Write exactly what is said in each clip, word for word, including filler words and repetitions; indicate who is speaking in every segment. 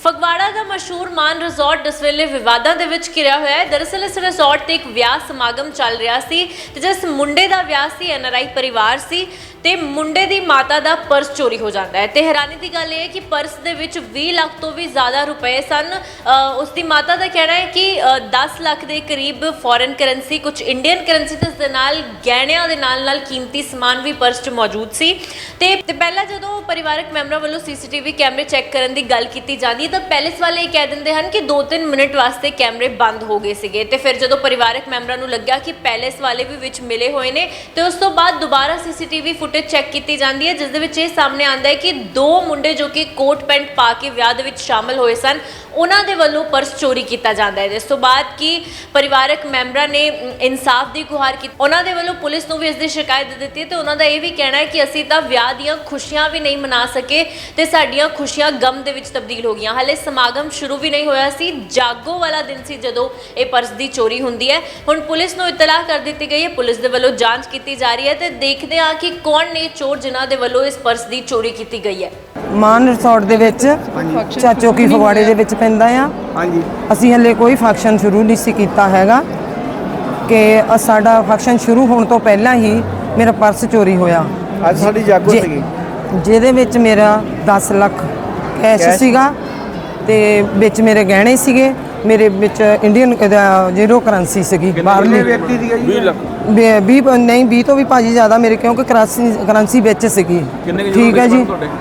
Speaker 1: ਫਗਵਾੜਾ ਦਾ ਮਸ਼ਹੂਰ ਮਾਨ ਰਿਜ਼ੋਰਟ ਇਸ ਵੇਲੇ ਵਿਵਾਦਾਂ ਦੇ ਵਿੱਚ ਘਿਰਿਆ ਹੋਇਆ ਹੈ। ਦਰਅਸਲ ਇਸ ਰਿਜ਼ੋਰਟ ਤੇ ਇੱਕ ਵਿਆਹ ਸਮਾਗਮ ਚੱਲ ਰਿਹਾ ਸੀ ਤੇ ਜਿਸ ਮੁੰਡੇ ਦਾ ਵਿਆਹ ਸੀ ਐਨ ਆਰ ਆਈ ਪਰਿਵਾਰ ਸੀ ਤੇ ਮੁੰਡੇ ਦੀ ਮਾਤਾ ਦਾ ਪਰਸ ਚੋਰੀ ਹੋ ਜਾਂਦਾ ਹੈ ਤੇ ਹੈਰਾਨੀ ਦੀ ਗੱਲ ਇਹ ਹੈ ਕਿ ਪਰਸ ਦੇ ਵਿੱਚ ਵੀਹ ਲੱਖ ਤੋਂ ਵੀ ਜ਼ਿਆਦਾ ਰੁਪਏ ਸਨ। ਉਸ ਦੀ ਮਾਤਾ ਦਾ ਕਹਿਣਾ ਹੈ ਕਿ ਦਸ ਲੱਖ ਦੇ ਕਰੀਬ ਫੋਰਨ ਕਰੰਸੀ, ਕੁਝ ਇੰਡੀਅਨ ਕਰੰਸੀ ਤੇ ਇਸ ਦੇ ਨਾਲ ਗਹਿਣਿਆਂ ਦੇ ਨਾਲ ਨਾਲ ਕੀਮਤੀ ਸਮਾਨ ਵੀ ਪਰਸ 'ਚ ਮੌਜੂਦ ਸੀ ਤੇ ਪਹਿਲਾਂ ਜਦੋਂ ਪਰਿਵਾਰਕ ਮੈਂਬਰਾਂ ਵੱਲੋਂ ਸੀ ਸੀ ਟੀ ਵੀ ਕੈਮਰੇ ਚੈੱਕ ਕਰਨ ਦੀ ਗੱਲ ਕੀਤੀ ਜਾਂਦੀ ਤਾਂ ਪੈਲੇਸ ਵਾਲੇ ਇਹ ਕਹਿ ਦਿੰਦੇ ਹਨ ਕਿ ਦੋ ਤਿੰਨ ਮਿੰਟ ਵਾਸਤੇ ਕੈਮਰੇ ਬੰਦ ਹੋ ਗਏ ਸੀਗੇ ਤੇ ਫਿਰ ਜਦੋਂ ਪਰਿਵਾਰਕ ਮੈਂਬਰਾਂ ਨੂੰ ਲੱਗਿਆ ਕਿ ਪੈਲੇਸ ਵਾਲੇ ਵੀ ਵਿੱਚ ਮਿਲੇ ਹੋਏ ਨੇ ਤੇ ਉਸ ਤੋਂ ਬਾਅਦ ਦੁਬਾਰਾ C C T V footage check ਕੀਤੀ ਜਾਂਦੀ ਹੈ ਜਿਸ ਦੇ ਵਿੱਚ ਇਹ ਸਾਹਮਣੇ ਆਉਂਦਾ ਹੈ ਕਿ ਦੋ ਮੁੰਡੇ ਜੋ ਕਿ ਕੋਟ ਪੈਂਟ ਪਾ ਕੇ ਵਿਆਹ ਦੇ ਵਿੱਚ ਸ਼ਾਮਲ ਹੋਏ ਸਨ ਉਹਨਾਂ ਦੇ ਵੱਲੋਂ ਪਰਸ ਚੋਰੀ ਕੀਤਾ ਜਾਂਦਾ ਹੈ। ਇਸ ਤੋਂ ਬਾਅਦ ਕਿ ਪਰਿਵਾਰਕ ਮੈਂਬਰਾਂ ਨੇ ਇਨਸਾਫ ਦੀ ਗੁਹਾਰ ਕੀਤੀ, ਉਹਨਾਂ ਦੇ ਵੱਲੋਂ ਪੁਲਿਸ ਨੂੰ ਵੀ ਇਸ ਦੀ ਸ਼ਿਕਾਇਤ ਦੇ ਦਿੱਤੀ ਤੇ ਉਹਨਾਂ ਦਾ ਇਹ ਵੀ ਕਹਿਣਾ ਹੈ ਕਿ ਅਸੀਂ ਤਾਂ ਵਿਆਹ ਦੀਆਂ ਖੁਸ਼ੀਆਂ ਵੀ ਨਹੀਂ ਮਨਾ ਸਕੇ ਤੇ ਸਾਡੀਆਂ ਖੁਸ਼ੀਆਂ ਗਮ ਦੇ ਵਿੱਚ ਤਬਦੀਲ ਹੋ ਗਈਆਂ। ਹਾਲੇ ਸਮਾਗਮ ਸ਼ੁਰੂ ਵੀ ਨਹੀਂ ਹੋਇਆ ਸੀ, ਜਾਗੋ ਵਾਲਾ ਦਿਨ ਸੀ ਜਦੋਂ ਇਹ ਪਰਸ ਦੀ ਚੋਰੀ ਹੁੰਦੀ ਹੈ। ਹੁਣ ਪੁਲਿਸ ਨੂੰ ਇਤਲਾਹ ਕਰ ਦਿੱਤੀ ਗਈ ਹੈ, ਪੁਲਿਸ ਦੇ ਵੱਲੋਂ ਜਾਂਚ ਕੀਤੀ ਜਾ ਰਹੀ ਹੈ ਤੇ ਦੇਖਦੇ ਹਾਂ ਕਿ ਕੌਣ ਨੇ ਚੋਰ ਜਿਨ੍ਹਾਂ ਦੇ ਵੱਲੋਂ ਇਸ ਪਰਸ ਦੀ ਚੋਰੀ ਕੀਤੀ ਗਈ ਹੈ।
Speaker 2: ਮਾਨ ਰਿਜ਼ੋਰਟ ਦੇ ਵਿੱਚ ਚਾਚੋਕੀ ਫਗਵਾੜੇ ਦੇ ਵਿੱਚ ਪੈਂਦਾ ਆ। ਹਾਂਜੀ, ਅਸੀਂ ਹਲੇ ਕੋਈ ਫੰਕਸ਼ਨ ਸ਼ੁਰੂ ਨਹੀਂ ਸੀ ਕੀਤਾ ਹੈਗਾ ਕਿ ਸਾਡਾ ਫੰਕਸ਼ਨ ਸ਼ੁਰੂ ਹੋਣ ਤੋਂ ਪਹਿਲਾਂ ਹੀ ਮੇਰਾ ਪਰਸ ਚੋਰੀ ਹੋਇਆ।
Speaker 3: ਅੱਜ ਸਾਡੀ ਜਾਗੋ ਸੀਗੀ
Speaker 2: ਜਿਹਦੇ ਵਿੱਚ ਮੇਰਾ ਦਸ ਲੱਖ ਕੈਸ਼ ਸੀਗਾ ਤੇ ਵਿੱਚ ਮੇਰੇ ਗਹਿਣੇ ਸੀਗੇ, ਮੇਰੇ ਵਿੱਚ ਇੰਡੀਅਨ ਜ਼ੀਰੋ ਕਰੰਸੀ ਸੀਗੀ ਬਾਹਰਲੀ
Speaker 3: ਵਿਅਕਤੀ ਦੀ ਵੀਹ ਲੱਖ
Speaker 2: ਵੀਹ ਨਹੀਂ ਵੀਹ ਤੋਂ ਵੀ ਭਾਜੀ ਜ਼ਿਆਦਾ ਮੇਰੇ ਕਿਉਂਕਿ ਕਰੰਸੀ ਕਰੰਸੀ ਵਿੱਚ ਸੀਗੀ। ਠੀਕ ਹੈ ਜੀ,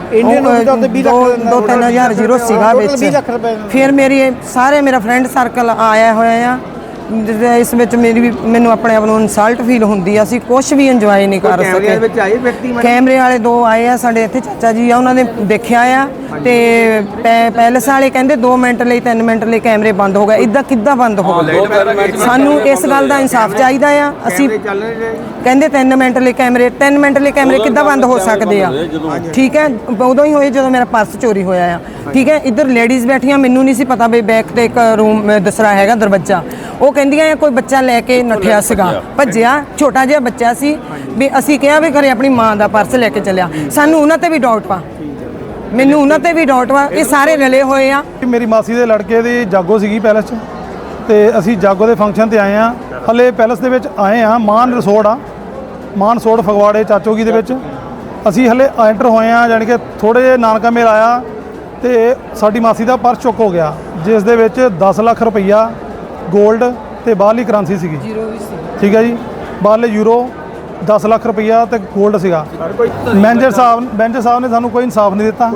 Speaker 2: ਦੋ ਤਿੰਨ ਹਜ਼ਾਰ ਜ਼ੀਰੋ ਸੀਗਾ ਵਿੱਚ। ਫਿਰ ਮੇਰੀ ਸਾਰੇ ਮੇਰਾ ਫਰੈਂਡ ਸਰਕਲ ਆਇਆ ਹੋਇਆ ਆ, ਇਸ ਵਿੱਚ ਮੇਰੀ ਵੀ ਮੈਨੂੰ ਆਪਣੇ ਆਪ ਨੂੰ ਇਨਸਲਟ ਫੀਲ ਹੁੰਦੀ ਆ। ਅਸੀਂ ਕੁਝ ਵੀ ਇੰਜੋਏ ਨਹੀਂ ਕਰ ਸਕੇ। ਕੈਮਰੇ ਵਾਲੇ ਦੋ ਆਏ ਆ ਸਾਡੇ ਇੱਥੇ, ਚਾਚਾ ਜੀ ਆ, ਉਹਨਾਂ ਨੇ ਦੇਖਿਆ ਆ ਤੇ ਪੈਲਸ ਵਾਲੇ ਕਹਿੰਦੇ ਦੋ ਮਿੰਟ ਲਈ ਤਿੰਨ ਮਿੰਟ ਲਈ ਕੈਮਰੇ ਬੰਦ ਹੋ ਗਏ। ਇੱਦਾਂ ਕਿੱਦਾਂ ਬੰਦ ਹੋ ਗਏ? ਸਾਨੂੰ ਇਸ ਗੱਲ ਦਾ ਇਨਸਾਫ ਚਾਹੀਦਾ ਆ। ਅਸੀਂ ਕਹਿੰਦੇ ਤਿੰਨ ਮਿੰਟ ਲਈ ਕੈਮਰੇ ਤਿੰਨ ਮਿੰਟ ਲਈ ਕੈਮਰੇ ਕਿੱਦਾਂ ਬੰਦ ਹੋ ਸਕਦੇ ਆ? ਠੀਕ ਹੈ, ਉਦੋਂ ਹੀ ਹੋਏ ਜਦੋਂ ਮੇਰਾ ਪਰਸ ਚੋਰੀ ਹੋਇਆ ਆ। ਠੀਕ ਹੈ, ਇੱਧਰ ਲੇਡੀਜ਼ ਬੈਠੀਆਂ, ਮੈਨੂੰ ਨਹੀਂ ਸੀ ਪਤਾ ਵੀ ਬੈਕ ਤੇ ਇੱਕ ਰੂਮ ਦੂਸਰਾ ਹੈਗਾ ਦਰਵਾਜ਼ਾ। ਉਹ ਕਹਿੰਦੀਆਂ ਆ ਕੋਈ ਬੱਚਾ ਲੈ ਕੇ ਨੱਠਿਆ ਸੀਗਾ, ਭੱਜਿਆ, ਛੋਟਾ ਜਿਹਾ ਬੱਚਾ ਸੀ। ਵੀ ਅਸੀਂ ਕਿਹਾ ਵੀ ਘਰੇ ਆਪਣੀ ਮਾਂ ਦਾ ਪਰਸ ਲੈ ਕੇ ਚੱਲਿਆ। ਸਾਨੂੰ ਉਹਨਾਂ ਤੇ ਵੀ ਡਾਊਟ ਵਾ, ਮੈਨੂੰ ਉਹਨਾਂ ਤੇ ਵੀ ਡਾਊਟ ਵਾ। ਇਹ ਸਾਰੇ ਰਲੇ ਹੋਏ ਆ।
Speaker 4: ਮੇਰੀ ਮਾਸੀ ਦੇ ਲੜਕੇ ਦੀ ਜਾਗੋ ਸੀਗੀ ਪੈਲਸ 'ਚ ਤੇ ਅਸੀਂ ਜਾਗੋ ਦੇ ਫੰਕਸ਼ਨ ਤੇ ਆਏ ਆ। ਹਲੇ ਪੈਲਸ ਦੇ ਵਿੱਚ ਆਏ ਆ, ਮਾਨ ਰਿਜ਼ੋਰਟ ਆ, ਮਾਨ ਰਿਜ਼ੋਰਟ ਫਗਵਾੜੇ ਚਾਚੋਗੀ ਦੇ ਵਿੱਚ ਅਸੀਂ ਹਲੇ ਐਂਟਰ ਹੋਏ ਆ। ਜਾਣੀ ਕਿ ਥੋੜ੍ਹੇ ਜਿਹੇ ਨਾਨਕਾ ਮੇਲ ਆਇਆ ਤੇ ਸਾਡੀ ਮਾਸੀ ਦਾ ਪਰਸ ਚੁੱਕ ਹੋ ਗਿਆ ਜਿਸ ਦੇ ਵਿੱਚ ਦਸ ਲੱਖ ਰੁਪਈਆ ਗੋਲਡ ਤੇ ਬਾਹਰਲੀ ਕਰੰਸੀ ਸੀਗੀ। ਠੀਕ ਹੈ ਜੀ, ਬਾਹਰਲੇ ਯੂਰੋ ਦਸ ਲੱਖ ਰੁਪਈਆ ਤੇ ਗੋਲਡ ਸੀਗਾ। ਮੈਨੇਜਰ ਸਾਹਿਬ ਮੈਨੇਜਰ ਸਾਹਿਬ ਨੇ ਸਾਨੂੰ ਕੋਈ ਇਨਸਾਫ ਨਹੀਂ ਦਿੱਤਾ।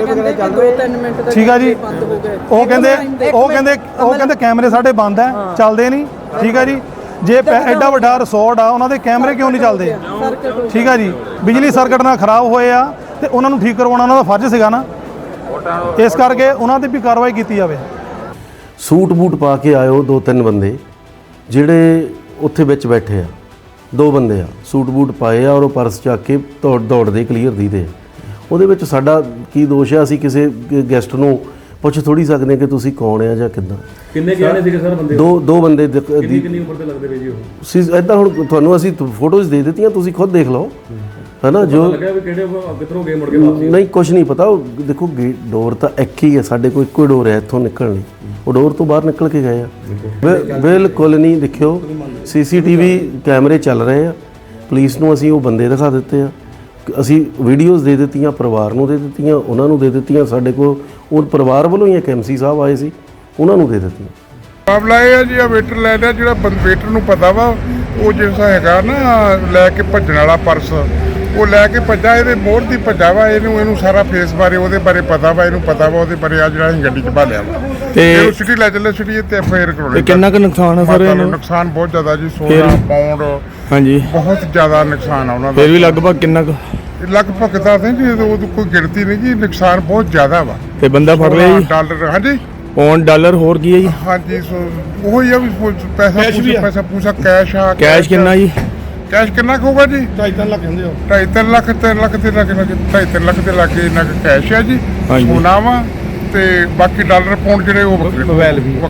Speaker 4: ਠੀਕ ਹੈ ਜੀ, ਉਹ ਕਹਿੰਦੇ ਉਹ ਕਹਿੰਦੇ ਉਹ ਕਹਿੰਦੇ ਕੈਮਰੇ ਸਾਡੇ ਬੰਦ ਹੈ, ਚੱਲਦੇ ਨਹੀਂ। ਠੀਕ ਹੈ ਜੀ, ਜੇ ਐਡਾ ਵੱਡਾ ਰਿਜ਼ੋਰਟ ਆ ਉਹਨਾਂ ਦੇ ਕੈਮਰੇ ਕਿਉਂ ਨਹੀਂ ਚੱਲਦੇ? ਠੀਕ ਹੈ ਜੀ, ਬਿਜਲੀ ਸਰਕਟ ਨਾਲ ਖਰਾਬ ਹੋਏ ਆ ਤੇ ਉਹਨਾਂ ਨੂੰ ਠੀਕ ਕਰਵਾਉਣਾ ਉਹਨਾਂ ਦਾ ਫਰਜ਼ ਸੀਗਾ ਨਾ, ਇਸ ਕਰਕੇ ਉਹਨਾਂ 'ਤੇ ਵੀ ਕਾਰਵਾਈ ਕੀਤੀ ਜਾਵੇ।
Speaker 5: ਸੂਟ ਬੂਟ ਪਾ ਕੇ ਆਇਓ ਦੋ ਤਿੰਨ ਬੰਦੇ ਜਿਹੜੇ ਉੱਥੇ ਵਿੱਚ ਬੈਠੇ ਆ, ਦੋ ਬੰਦੇ ਆ ਸੂਟ ਬੂਟ ਪਾਏ ਆ ਔਰ ਉਹ ਪਰਸ ਚੱਕ ਕੇ ਦੌੜ ਦੌੜਦੇ ਕਲੀਅਰ ਦੀਦੇ। ਉਹਦੇ ਵਿੱਚ ਸਾਡਾ ਕੀ ਦੋਸ਼ ਆ? ਅਸੀਂ ਕਿਸੇ ਗੈਸਟ ਨੂੰ ਪੁੱਛ ਥੋੜੀ ਸਕਦੇ ਕਿ ਤੁਸੀਂ ਕੌਣ ਆ ਜਾਂ ਕਿੱਦਾਂ।
Speaker 6: ਕਿੰਨੇ ਗਏ ਸੀਗੇ ਸਰ ਬੰਦੇ? ਦੋ
Speaker 5: ਦੋ ਬੰਦੇ।
Speaker 6: ਕਿੰਨੀ ਕਿੰਨੀ ਉਮਰ ਦੇ ਲੱਗਦੇ ਵੇ ਜੀ ਉਹ?
Speaker 5: ਸੀ ਇੱਦਾਂ ਹੁਣ ਤੁਹਾਨੂੰ ਅਸੀਂ ਫੋਟੋਜ਼ ਦੇ ਦਿੱਤੀਆਂ, ਤੁਸੀਂ ਖੁਦ ਦੇਖ ਲਓ ਹੈ ਨਾ। ਜੋ
Speaker 6: ਲੱਗਿਆ ਵੀ ਕਿਹੜੇ ਕਿੱਧਰੋਂ ਗਏ ਮੁੜ ਕੇ ਵਾਪਸ?
Speaker 5: ਨਹੀਂ, ਕੁਛ ਨਹੀਂ ਪਤਾ। ਉਹ ਦੇਖੋ ਗੇਟ ਡੋਰ ਤਾਂ ਇੱਕ ਹੀ ਹੈ ਸਾਡੇ ਕੋਲ, ਇੱਕੋ ਡੋਰ ਹੈ ਇੱਥੋਂ ਨਿਕਲਣ ਲਈ। ਉਹ ਡੋਰ ਤੋਂ ਬਾਹਰ ਨਿਕਲ ਕੇ ਗਏ ਆ। ਬਿਲਕੁਲ ਨਹੀਂ। ਦੇਖਿਓ ਸੀ ਸੀ ਟੀ ਵੀ ਕੈਮਰੇ ਚੱਲ ਰਹੇ ਆ, ਪੁਲਿਸ ਨੂੰ ਅਸੀਂ ਉਹ ਬੰਦੇ ਦਿਖਾ ਦਿੱਤੇ ਆ, ਅਸੀਂ ਵੀਡੀਓਜ਼ ਦੇ ਦਿੱਤੀਆਂ, ਪਰਿਵਾਰ ਨੂੰ ਦੇ ਦਿੱਤੀਆਂ, ਉਹਨਾਂ ਨੂੰ ਦੇ ਦਿੱਤੀਆਂ। ਸਾਡੇ ਕੋਲ ਉਹ ਪਰਿਵਾਰ ਵੱਲੋਂ ਹੀ ਇੱਕ ਐਮ ਸੀ ਸਾਹਿਬ ਆਏ ਸੀ, ਉਹਨਾਂ ਨੂੰ ਦੇ ਦਿੱਤੀਆਂ।
Speaker 7: ਮਾਮਲਾ ਇਹ ਆ ਜੀ, ਆ ਵੇਟਰ ਲੈ ਲਿਆ ਜਿਹੜਾ ਵੇਟਰ ਨੂੰ ਪਤਾ ਵਾ ਉਹ ਜਿਹੜਾ ਹੈਗਾ ਨਾ ਲੈ ਕੇ ਭੱਜਣ ਵਾਲਾ ਪਰਸ, ਉਹ ਲੈ ਕੇ ਭੱਜਾ, ਇਹਦੇ ਮੋਹਰ ਦੀ ਭੱਜਾ ਵਾ। ਇਹਨੂੰ ਇਹਨੂੰ ਸਾਰਾ ਫੇਸ ਬਾਰੇ ਉਹਦੇ ਬਾਰੇ ਪਤਾ ਵਾ, ਇਹਨੂੰ ਪਤਾ ਵਾ ਉਹਦੇ ਬਾਰੇ। ਆ ਜਿਹੜਾ ਅਸੀਂ ਗੱਡੀ 'ਚ ਭਾਲਿਆ ਵਾ ਤੇ ਸਿਟੀ ਲੈ ਚੱਲੇ, ਸਿਟੀ ਤੇ ਐਫ ਆਈ ਆਰ ਕਰਾਉਣੀ।
Speaker 4: ਕਿੰਨਾ ਕੁ ਨੁਕਸਾਨ ਹੈ ਸਰ?
Speaker 7: ਨੁਕਸਾਨ ਬਹੁਤ ਜ਼ਿਆਦਾ ਜੀ, ਸੋਲਾਂ ਪਾਉਂਡ। ਹਾਂਜੀ, ਬਹੁਤ ਜ਼ਿਆਦਾ ਨੁਕਸਾਨ ਆ ਉਹਨਾਂ ਦਾ।
Speaker 4: ਫਿਰ ਵੀ ਲਗਭਗ ਕਿੰਨਾ ਕੁ?
Speaker 7: ਲਗਭਗ ਦੱਸਦੇ ਜੀ, ਉਹ ਕੋਈ ਗਿਣਤੀ ਨਹੀਂ ਜੀ, ਨੁਕਸਾਨ ਬਹੁਤ ਜ਼ਿਆਦਾ ਵਾ।
Speaker 4: ਤੇ ਬੰਦਾ ਫੜ ਲਿਆ ਜੀ?
Speaker 7: ਡਾਲਰ। ਹਾਂਜੀ,
Speaker 4: ਪੌਂਡ ਡਾਲਰ ਹੋਰ ਕੀ ਹੈ ਜੀ?
Speaker 7: ਹਾਂਜੀ, ਉਹ ਹੀ ਆ ਵੀ ਪੈਸਾ ਪੈਸਾ ਪੂਸਾ ਕੈਸ਼ ਆ।
Speaker 4: ਕੈਸ਼ ਕਿੰਨਾ ਜੀ?
Speaker 7: ਕੈਸ਼ ਕਿੰਨਾ ਕੁ ਹੋਊਗਾ ਜੀ? ਢਾਈ ਤਿੰਨ ਲੱਖ ਹੁੰਦੇ ਹੋ। ਢਾਈ ਤਿੰਨ ਲੱਖ ਤਿੰਨ ਲੱਖ ਦੇ ਲੱਗੇ ਢਾਈ ਤਿੰਨ ਲੱਖ ਦੇ ਲਾਗੇ ਇੰਨਾ ਕੁ ਕੈਸ਼ ਆ ਜੀ। ਸੋਨਾ ਵਾ ਤੇ ਬਾਕੀ ਡਾਲਰ ਪਾਉਂਡ ਜਿਹੜੇ ਉਹ ਵੱਖਰੇ। ਮੋਬਾਈਲ ਵੀ